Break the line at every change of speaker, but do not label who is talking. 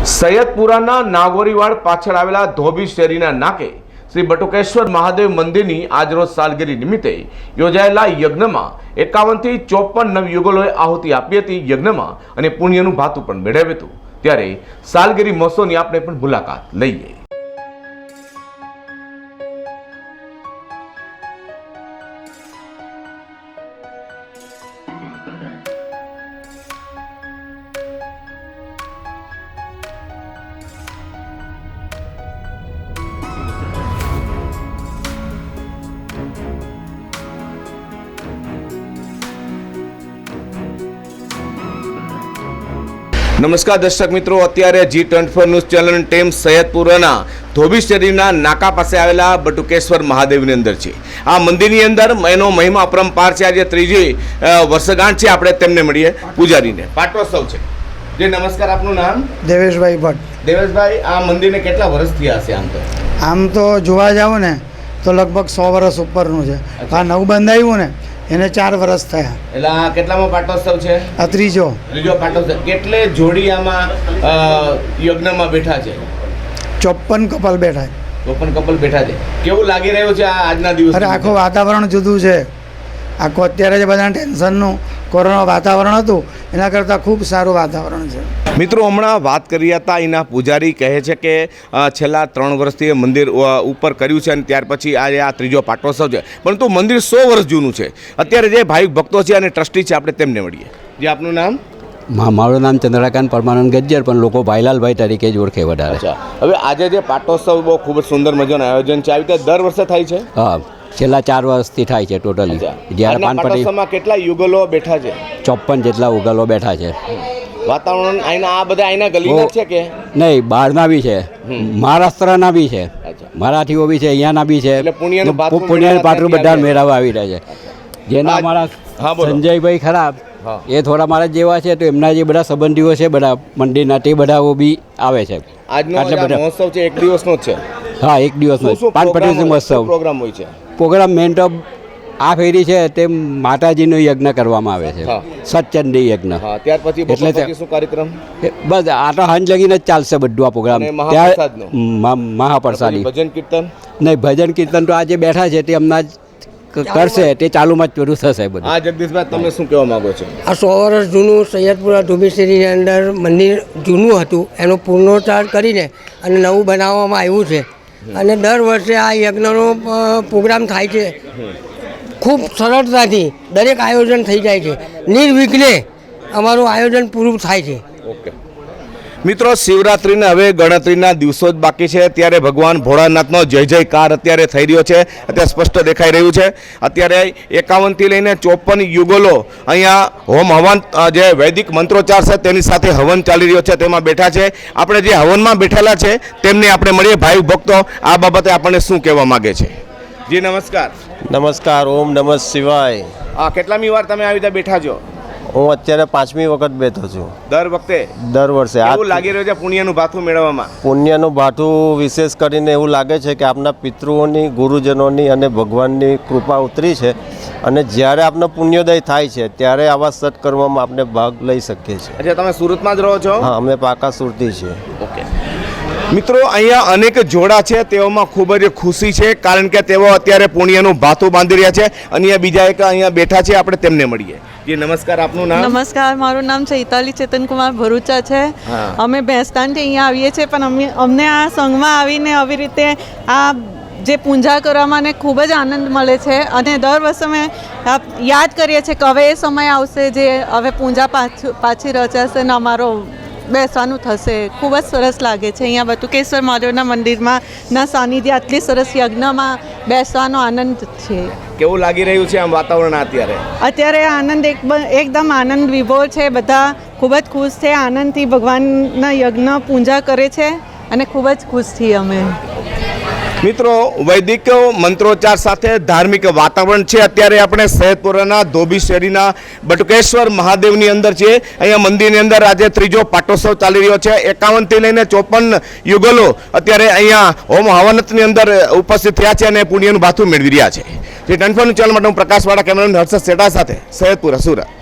સૈયદપુરાના નાગોરીવાડ પાછળ આવેલા ધોબી શેરીના નાકે શ્રી બટુકેશ્વર મહાદેવ મંદિરની આજરોજ સાલગીરી નિમિત્તે યોજાયેલા યજ્ઞમાં 51 થી 54 નવયુગલોએ આહુતિ આપી હતી। યજ્ઞમાં અને પુણ્યનું ભાતું પણ મેળવ્યું હતું। ત્યારે સાલગીરી મહોત્સવની આપણે પણ મુલાકાત લઈએ। नमस्कार दर्शक मित्रों, अत्यारे G24 न्यूज चैनल टीम सैयदपुराना धोबी शरीरना नाका पासे आवेला बटुकेश्वर महादेवनी अंदर छे। आ मंदिरनी अंदर एनो महिमा अपरंपार छे। आज त्रीजी वर्षगांठ छे। आपणे तेमने मळीए पूजारीने। पाटोत्सव छे। जी नमस्कार, आपनुं नाम?
देवेशभाई भट्ट।
देवेशभाई, आ मंदिरने કેટલા વર્ષ થયા હશે? આમ તો
જોવા જાવ ને તો લગભગ 100 વર્ષ ઉપરનું છે। આ નવું બંધાયું ને એને 4 વર્ષ થયા।
એટલે આ કેટલામો પાટોત્સવ છે?
આ ત્રીજો
પાટોત્સવ। કેટલે જોડી આમાં યજ્ઞમાં બેઠા છે?
54 કપલ બેઠા છે।
54 કપલ બેઠા છે। કેવું લાગી રહ્યું છે આ આજના દિવસે?
અરે આખું વાતાવરણ જુદું છે। આખું અત્યારે જે બધા ટેન્શનનું કોરોના વાતાવરણ હતું એના કરતાં ખૂબ સારું વાતાવરણ છે।
મિત્રો, હમણાં વાત કરી હતા એના પૂજારી કહે છે કે છેલ્લા 3 વર્ષથી મંદિર ઉપર કર્યું છે અને ત્યાર પછી આજે આ ત્રીજો પાટોત્સવ છે, પરંતુ મંદિર 100 વર્ષ જૂનું છે। અત્યારે જે ભાવિક ભક્તો છે અને ટ્રસ્ટી છે, આપણે તેમને મળીએ। જે આપનું નામ?
મારું નામ ચંદ્રકાંત પરમાનંદ ગજ્જર, પણ લોકો ભાઈલાલભાઈ તરીકે જ ઓળખે વધારે।
હવે આજે જે પાટોત્સવ બહુ ખૂબ જ સુંદર મજાનું આયોજન છે, આવી રીતે દર વર્ષે થાય છે?
હા, છેલ્લા 4 વર્ષથી થાય છે ટોટલી। જ્યારે
પાટોત્સવમાં કેટલા યુગલો બેઠા છે?
54 જેટલા ઉગલો બેઠા છે।
વાતાવરણ આના આ બધા આના ગલીના છે કે
નહીં? બહારના બી છે, મહારાષ્ટ્રના બી છે, મરાઠીઓ બી છે, અહીંયાના બી છે। પુણ્યનું પાત્રું બધા મેળવવા આવી રહ્યા છે। જેના અમારા સંજયભાઈ ખરાબ એ થોડા મારા જેવા છે, તો એમના જે બધા સંબંધીઓ છે બધા મંદિરના, તે બધા બી આવે છે।
આજનો મહોત્સવ છે 1 દિવસનો જ છે?
હા, 1 દિવસનો પાનપટી મહોત્સવ
પ્રોગ્રામ હોય છે।
પ્રોગ્રામ મેન તો આ ફેરી છે તે માતાજીનો યજ્ઞ કરવામાં આવે છે, સતચંડી યજ્ઞ।
ત્યાર પછી એટલે શું કાર્યક્રમ?
બસ આ તો હાંજ લગીને જ ચાલશે બધું આ પ્રોગ્રામ। મહાપ્રસાદી
ભજન કીર્તન
નહીં, ભજન કીર્તન તો આજે બેઠા છે તે હમણાં જ કરશે, તે ચાલુમાં જ પૂરું થશે બધું।
હા જગદીશભાઈ, તમે શું કહેવા માંગો છો?
આ 100 વર્ષ જૂનું સૈયદપુરા ધોબી શેરીની અંદર મંદિર જૂનું હતું, એનો પુનરોદ્ધાર કરીને અને નવું બનાવવામાં આવ્યું છે। અને દર વર્ષે આ યજ્ઞનો પ્રોગ્રામ થાય છે। ખૂબ સરળતાથી દરેક આયોજન થઈ જાય છે, નિર્વિઘ્ને અમારું આયોજન પૂરું થાય છે।
ઓકે મિત્રો, શિવરાત્રિના હવે ગણતરીના દિવસો જ બાકી છે, ત્યારે ભગવાન ભોળાનાથનો જય જયકાર અત્યારે થઈ રહ્યો છે, અત્યારે સ્પષ્ટ દેખાઈ રહ્યું છે। અત્યારે 51 થી લઈને 54 યુગલો અહીંયા હોમ હવન જે વૈદિક મંત્રોચ્ચાર છે તેની સાથે હવન ચાલી રહ્યો છે, તેમાં બેઠા છે। આપણે જે હવનમાં બેઠેલા છે તેમને આપણે મળીએ। ભાઈ ભક્તો આ બાબતે આપણને શું કહેવા માગે છે? જી નમસ્કાર।
નમસ્કાર, ઓમ નમઃ શિવાય।
કેટલામી વાર તમે આવી રીતે બેઠા છો?
હું અત્યારે 5મી વખત બેઠો છું।
દર વખતે?
દર વર્ષે।
એવું લાગી રહ્યું છે પુણ્યનું ભાથું મેળવવામાં?
પુણ્યનું ભાથું વિશેષ કરીને એવું લાગે છે કે આપના પિતૃઓની, ગુરુજનોની અને ભગવાનની કૃપા ઉતરી છે, અને જ્યારે આપનો પુણ્યોદય થાય છે ત્યારે આવા સત્કર્મમાં આપણે ભાગ લઈ શકીએ છીએ।
અચ્છા, તમે સુરતમાં જ રહો છો?
હા, અમે પાકા સુરતી છીએ।
ઓકે મિત્રો, અહીંયા અનેક જોડા છે, તેઓમાં ખૂબ જ ખુશી છે, કારણ કે તેઓ અત્યારે પુણ્યનું ભાથું બાંધી રહ્યા છે। અને બીજા એક અહીંયા બેઠા છે, આપણે તેમને મળીએ। જી નમસ્કાર, આપનું નામ?
નમસ્કાર, મારું નામ ચૈતાલી ચેતનકુમાર ભરૂચા છે। અમે ભેસ્તાનથી અહીંયા આવીએ છીએ, પણ અમને આ સંઘમાં આવીને આવી રીતે આ જે પૂજા કરવામાં ને ખૂબ જ આનંદ મળે છે। અને દર વર્ષે અમે યાદ કરીએ છીએ કે હવે એ સમય આવશે જે હવે પૂજા પાછી રચાશે ને અમારો બેસવાનું થશે। ખૂબ જ સરસ લાગે છે અહીંયા બટુકેશ્વર મહાદેવના મંદિરમાં ના સાનિધ્ય આટલી સરસ યજ્ઞમાં બેસવાનો આનંદ છે।
કેવું લાગી રહ્યું છે આમ વાતાવરણ
અત્યારે? આનંદ એકદમ આનંદ વિભોર છે। બધા ખૂબ જ ખુશ છે, આનંદથી ભગવાનના યજ્ઞ પૂજા કરે છે અને ખૂબ જ ખુશ છીએ અમે।
મિત્રો, વૈદિક મંત્રોચ્ચાર સાથે ધાર્મિક વાતાવરણ છે। અત્યારે આપણે સૈયદપુરાના ધોબી શેરીના બટુકેશ્વર મહાદેવની અંદર છે। અહીંયા મંદિરની અંદર આજે ત્રીજો પાટોત્સવ ચાલી રહ્યો છે। 51 થી લઈને 54 યુગલો અત્યારે અહીંયા હોમ હવનની અંદર ઉપસ્થિત થયા છે અને પુણ્યનું ભાથું મેળવી રહ્યા છે। જે 24 ચેનલ માટે હું પ્રકાશવાળા કેમેરામેન હર્ષદ સેઠા સાથે સૈયદપુરા, સુરત।